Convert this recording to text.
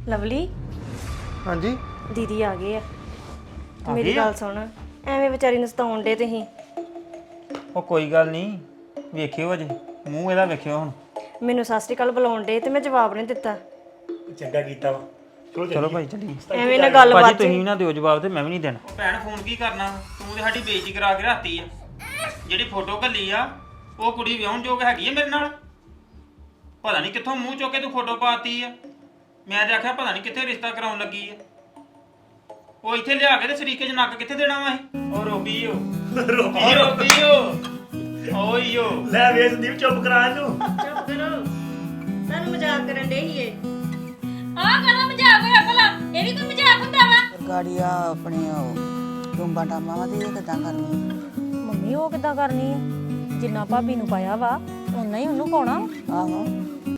Lovely ਹਾਂਜੀ ਦੀਦੀ ਆ ਗਏ ਆ ਤੇ ਮੇਰੀ ਗੱਲ ਸੁਣ ਐਵੇਂ ਵਿਚਾਰੀ ਨੂੰ ਸਤਾਉਣ ਡੇ ਤੁਸੀਂ ਉਹ ਕੋਈ ਗੱਲ ਨਹੀਂ ਵੇਖਿਓ ਅਜੇ ਮੂੰਹ ਇਹਦਾ ਵੇਖਿਓ ਹੁਣ ਮੈਨੂੰ ਸਤਿ ਸ਼੍ਰੀ ਅਕਾਲ ਬੁਲਾਉਣ ਡੇ ਤੇ ਮੈਂ ਜਵਾਬ ਨਹੀਂ ਦਿੱਤਾ ਚੰਗਾ ਕੀਤਾ ਵਾ ਚਲੋ ਭਾਈ ਚੱਲੀਏ ਐਵੇਂ ਨਾ ਗੱਲ ਭਾਜੀ ਬਾਤ ਤੁਸੀਂ ਵੀ ਨਾ ਦਿਓ ਜਵਾਬ ਤੇ ਮੈਂ ਵੀ ਨਹੀਂ ਦੇਣਾ ਭੈਣ ਫੋਨ ਕੀ ਕਰਨਾ ਤੂੰ ਤੇ ਸਾਡੀ ਬੇਇੱਜ਼ਤੀ ਕਰਾ ਕੇ ਰਾਤੀ ਆ ਜਿਹੜੀ ਫੋਟੋ ਘੱਲੀ ਆ ਉਹ ਕੁੜੀ ਵਿਆਹਣ ਯੋਗ ਹੈਗੀ ਆ ਮੇਰੇ ਨਾਲ ਪਤਾ ਨਹੀਂ ਕਿੱਥੋਂ ਮੂੰਹ ਚੁੱਕ ਕੇ ਤੂੰ ਫੋਟੋ ਪਾਤੀ ਆ ਮੈਂ ਤੇ ਆਖਿਆ ਪਤਾ ਨਹੀਂ ਕਿੱਥੇ ਰਿਸ਼ਤਾ ਕਰਾਉਣ ਲੱਗੀ ਆ ਉਹ ਇੱਥੇ ਲਿਆ ਕੇ ਤੇ ਸਰੀਕੇ 'ਚ ਨੱਕ ਕਿੱਥੇ ਦੇਣਾ ਵਾ ਇਹ ਉਹ ਰੋਬੀਓ ਓਈਓ ਲੈ ਵੇ ਸੰਦੀਪ ਚੁੱਪ ਕਰਾ ਇਹਨੂੰ ਚੁੱਪ ਕਰੋ ਤੁਹਾਨੂੰ ਮਜ਼ਾਕ ਕਰਨ ਡੇ ਹੀ ਏ ਆਹ ਕਾਹਦਾ ਮਜ਼ਾਕ ਹੋਇਆ ਭਲਾ ਇਹ ਵੀ ਕੋਈ ਮਜ਼ਾਕ ਹੁੰਦਾ ਵਾ ਗਾੜੀਆ ਆਪਣੇ ਟੁੰਬਾਂ ਟਾਮਾਂ ਦੀ ਇਹ ਕਿੱਦਾਂ ਕਰਨੀ ਮੰਮੀ ਉਹ ਕਿੱਦਾਂ ਕਰਨੀ ਹੈ ਜਿੰਨਾ ਭਾਬੀ ਨੂੰ ਪਾਇਆ ਵਾ ਉਨਾ ਹੀ ਉਹਨੂੰ ਪਾਉਣਾ ਆਹੋ